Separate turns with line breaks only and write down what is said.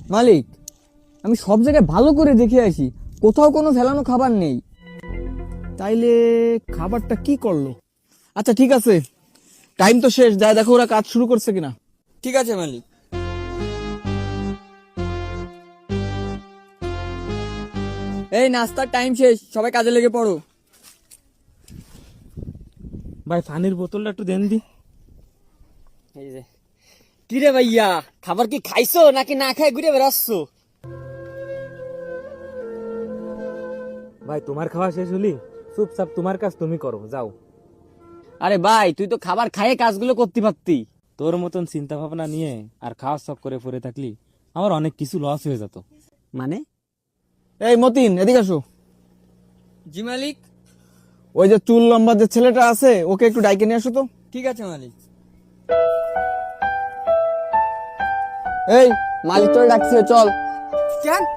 মালিক, আমি সব জায়গায় ভালো করে দেখে আসি, কোথাও কোনো ফেলানো খাবার নেই।
তাইলে খাবারটা কি করলো?
আচ্ছা ঠিক আছে,
টাইম তো শেষ, যায় দেখো ওরা কাজ শুরু করছে কিনা।
ঠিক আছে মালিক। এই নাস্তার টাইম শেষ, সবাই কাজে লেগে পড়ো।
ভাই পানির বোতলটা একটু দেন দি।
এই যে কি রে ভাইয়া, খাবার কি খাইছো নাকি না খাই ঘুরে বেড়াচ্ছ?
ভাই তোমার খাওয়া শেষ হলি, চুপচাপ তোমার কাজ তুমি করো, যাও।
আরে ভাই, তুই তো খাবার খাইয়ে কাজগুলো করতে পারতি।
তোর মতন চিন্তা ভাবনা নিয়ে আর খাওয়া শখ করে পড়ে থাকলি আমার অনেক কিছু লস হয়ে যেত।
মানে?
এই মতিন, এদিকে আসো।
জি মালিক।
ওই যে চুল লম্বা যে ছেলেটা আছে, ওকে একটু ডাইকে নিয়ে আসো তো।
ঠিক আছে মালিক।
এই
মালিক তোরে ডাকছে, চল। কেন?